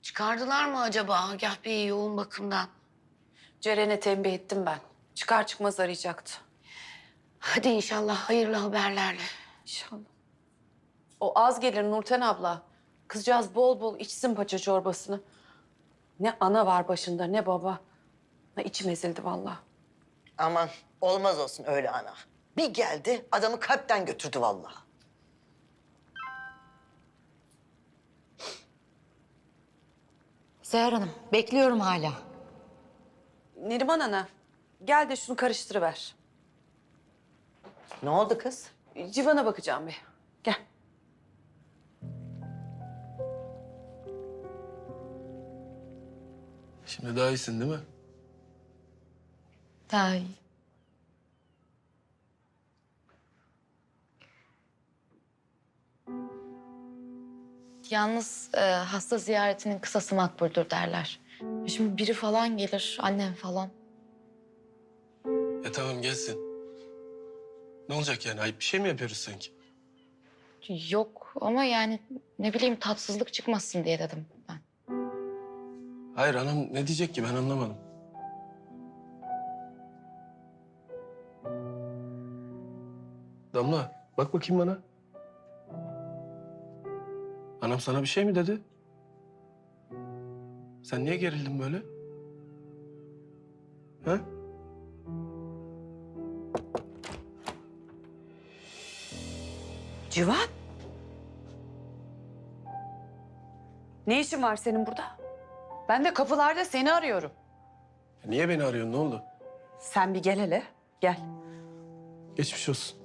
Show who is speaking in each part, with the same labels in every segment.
Speaker 1: Çıkardılar mı acaba Agah Bey'i yoğun bakımdan?
Speaker 2: Ceren'e tembih ettim ben. Çıkar çıkmaz arayacaktı.
Speaker 1: Hadi inşallah hayırlı haberlerle.
Speaker 2: İnşallah. O az gelir Nurten abla. Kızcağız bol bol içsin paça çorbasını. Ne ana var başında ne baba. İçim ezildi vallahi.
Speaker 3: Aman olmaz olsun öyle ana. Bir geldi adamı kalpten götürdü vallahi.
Speaker 4: Seher Hanım, bekliyorum hala.
Speaker 2: Neriman ana gel de şunu karıştırıver.
Speaker 3: Ne oldu kız?
Speaker 2: Civan'a bakacağım bir. Gel.
Speaker 5: Şimdi daha iyisin değil mi?
Speaker 4: Daha iyi. Yalnız hasta ziyaretinin kısası makbuldür derler. Şimdi biri falan gelir, annem falan.
Speaker 5: Tamam gelsin. Ne olacak yani? Ayıp bir şey mi yapıyoruz sanki?
Speaker 4: Yok ama yani ne bileyim tatsızlık çıkmasın diye dedim ben.
Speaker 5: Hayır anam ne diyecek ki ben anlamadım. Damla bak bakayım bana. Anam sana bir şey mi dedi? Sen niye gerildin böyle? Ha?
Speaker 2: Civan. Ne işin var senin burada? Ben de kapılarda seni arıyorum.
Speaker 5: Niye beni arıyorsun? Ne oldu?
Speaker 2: Sen bir gel hele. Gel.
Speaker 5: Geçmiş olsun.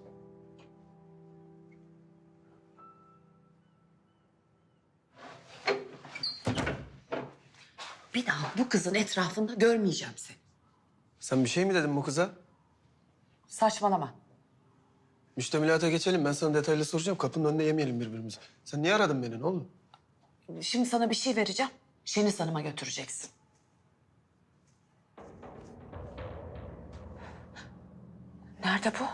Speaker 3: Bir daha bu kızın etrafında görmeyeceğim seni.
Speaker 5: Sen bir şey mi dedin bu kıza?
Speaker 2: Saçmalama.
Speaker 5: Müştemilata geçelim. Ben sana detaylı soracağım. Kapının önünde yemeyelim birbirimizi. Sen niye aradın beni? Ne oldu?
Speaker 2: Şimdi sana bir şey vereceğim. Şeniz Hanım'a götüreceksin. Nerede bu?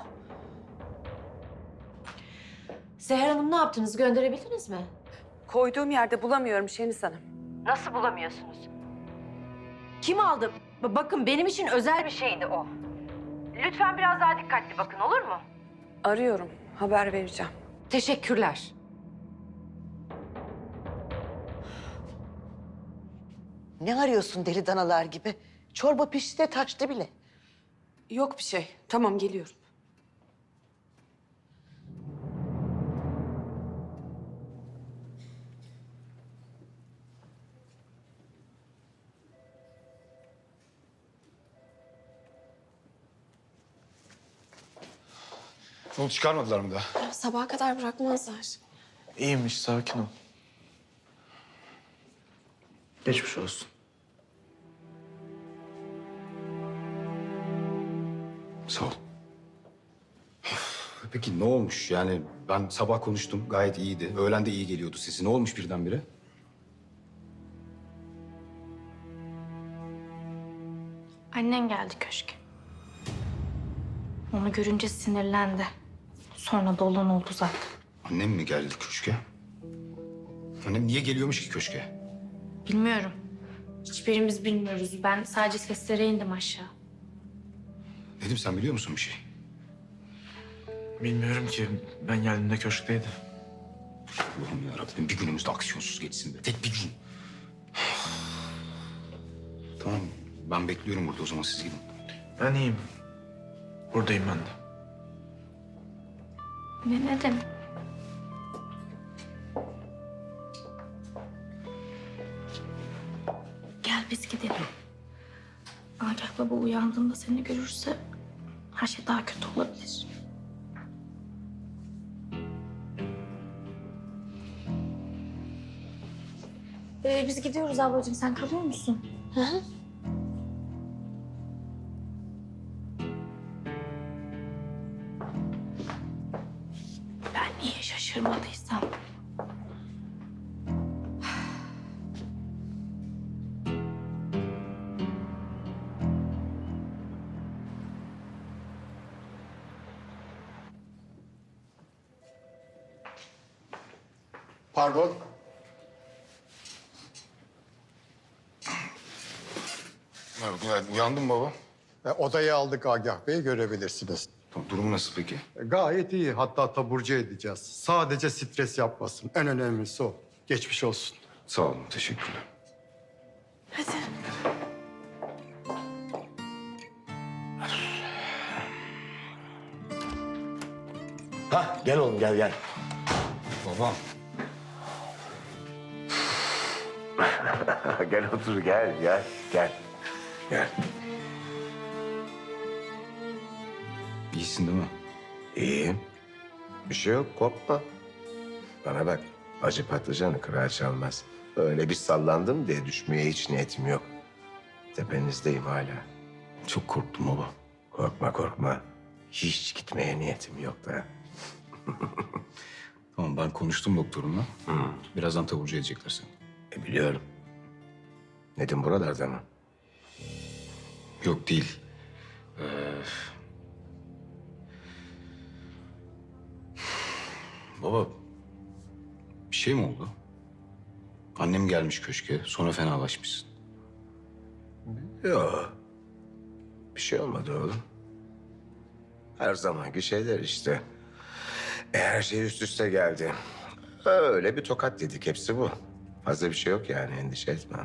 Speaker 6: Seher Hanım ne yaptınız? Gönderebildiniz mi?
Speaker 2: Koyduğum yerde bulamıyorum Şeniz Hanım.
Speaker 6: Nasıl bulamıyorsunuz? Kim aldı? Bakın benim için özel bir şeydi o. Lütfen biraz daha dikkatli bakın olur mu?
Speaker 2: Arıyorum. Haber vereceğim.
Speaker 6: Teşekkürler.
Speaker 3: Ne arıyorsun deli danalar gibi? Çorba pişti de taştı bile.
Speaker 2: Yok bir şey. Tamam geliyorum.
Speaker 7: Onu çıkarmadılar mı daha?
Speaker 8: Sabaha kadar bırakmazlar.
Speaker 9: İyiymiş, sakin ol. Geçmiş olsun.
Speaker 7: Sağ ol. Peki ne olmuş? Yani ben sabah konuştum, gayet iyiydi. Öğlen de iyi geliyordu sesi. Ne olmuş birdenbire?
Speaker 8: Annen geldi köşke. Onu görünce sinirlendi. Sonra da olan oldu zaten.
Speaker 7: Annem mi geldi köşke? Annem niye geliyormuş ki köşke?
Speaker 8: Bilmiyorum. Hiçbirimiz bilmiyoruz. Ben sadece seslere indim aşağı.
Speaker 7: Nedim sen biliyor musun bir şey?
Speaker 9: Bilmiyorum ki, ben geldiğimde köşkteydi.
Speaker 7: Allah'ım yarabbim bir günümüz de aksiyonsuz geçsin be. Tek bir gün. Tamam ben bekliyorum burada o zaman siz gidin.
Speaker 9: Ben iyiyim. Buradayım ben de.
Speaker 8: Ne demek? Gel biz gidelim. Agah baba uyandığında seni görürse her şey daha kötü olabilir. Biz gidiyoruz ablacığım. Sen kalıyor musun? Hı hı. Ben niye şaşırmadıysam.
Speaker 7: Pardon. Günaydın. Uyandın baba.
Speaker 10: Odayı aldık Agah Bey, görebilirsiniz.
Speaker 7: Durum nasıl peki?
Speaker 10: Gayet iyi, hatta taburcu edeceğiz. Sadece stres yapmasın, en önemlisi o. Geçmiş olsun.
Speaker 7: Sağ olun, teşekkürler.
Speaker 11: Ha gel oğlum gel.
Speaker 7: Babam.
Speaker 11: Gel otur gel. Gel.
Speaker 7: İyisin değil mi?
Speaker 11: İyiyim. Bir şey yok korkma. Bana bak acı patlıcanı kırağı çalmaz. Öyle bir sallandım diye düşmeye hiç niyetim yok. Tepenizdeyim hala.
Speaker 7: Çok korktum baba.
Speaker 11: Korkma. Hiç gitmeye niyetim yok da.
Speaker 7: Tamam, ben konuştum doktorumla. Birazdan taburcu edecekler seni.
Speaker 11: Biliyorum. Nedim buralarda mı?
Speaker 7: Yok değil. Baba, bir şey mi oldu? Annem gelmiş köşke, sonra fenalaşmışsın.
Speaker 11: Yok. Bir şey olmadı oğlum. Her zamanki şeyler işte. Her şey üst üste geldi. Öyle bir tokat yedik, hepsi bu. Fazla bir şey yok yani, endişe etme.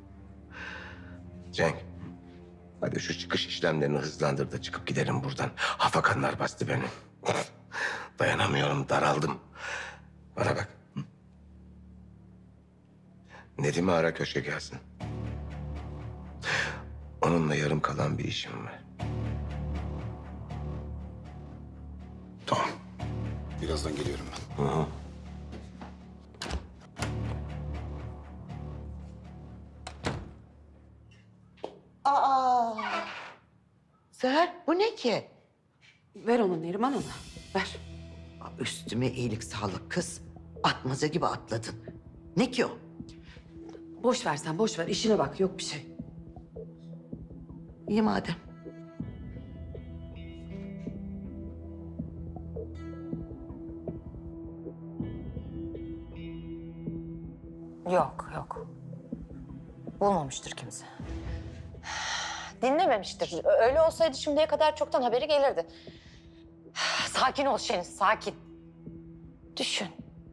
Speaker 11: Cenk, hadi şu çıkış işlemlerini hızlandır da çıkıp gidelim buradan. Hafakanlar bastı beni. Dayanamıyorum, daraldım. Bana bak. Nedim'i ara, köşke gelsin. Onunla yarım kalan bir işim var.
Speaker 7: Tamam. Birazdan geliyorum ben.
Speaker 11: Hı.
Speaker 3: Aa! Seher, bu ne ki?
Speaker 2: Ver onu Neriman Ana, ver.
Speaker 3: Üstüme iyilik sağlık kız. Atmaca gibi atladın. Ne ki o?
Speaker 2: Boş ver sen, boş ver. İşine bak, yok bir şey.
Speaker 3: İyi madem.
Speaker 6: Yok. Bulmamıştır kimse. Dinlememiştir. Öyle olsaydı şimdiye kadar çoktan haberi gelirdi. Sakin ol Şeniz, sakin. Düşün.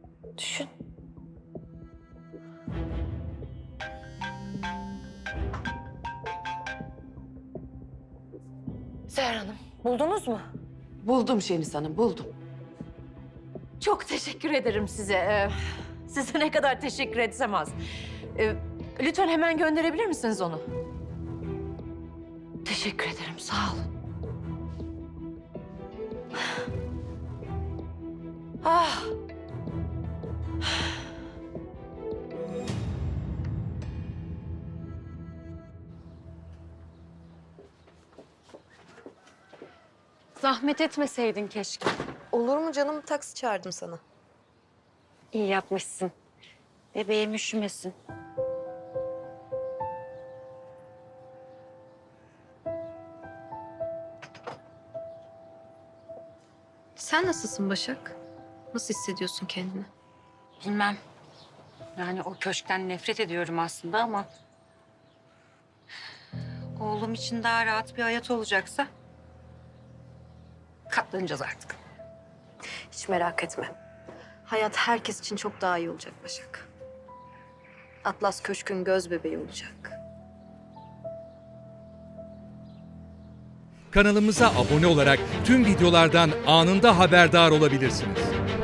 Speaker 6: Seher Hanım, buldunuz mu?
Speaker 2: Buldum Şeniz Hanım, buldum.
Speaker 6: Çok teşekkür ederim size. Size ne kadar teşekkür etsem az. Lütfen hemen gönderebilir misiniz onu? Teşekkür ederim, sağ olun. Ah.
Speaker 4: Zahmet etmeseydin keşke.
Speaker 12: Olur mu canım? Taksi çağırdım sana.
Speaker 1: İyi yapmışsın. Bebeğim üşümesin.
Speaker 12: Sen nasılsın Başak? Nasıl hissediyorsun kendini?
Speaker 1: Bilmem. Yani o köşkten nefret ediyorum aslında ama... oğlum için daha rahat bir hayat olacaksa... katlanacağız artık.
Speaker 12: Hiç merak etme. Hayat herkes için çok daha iyi olacak Başak. Atlas Köşk'ün göz bebeği olacak.
Speaker 13: Kanalımıza abone olarak tüm videolardan anında haberdar olabilirsiniz.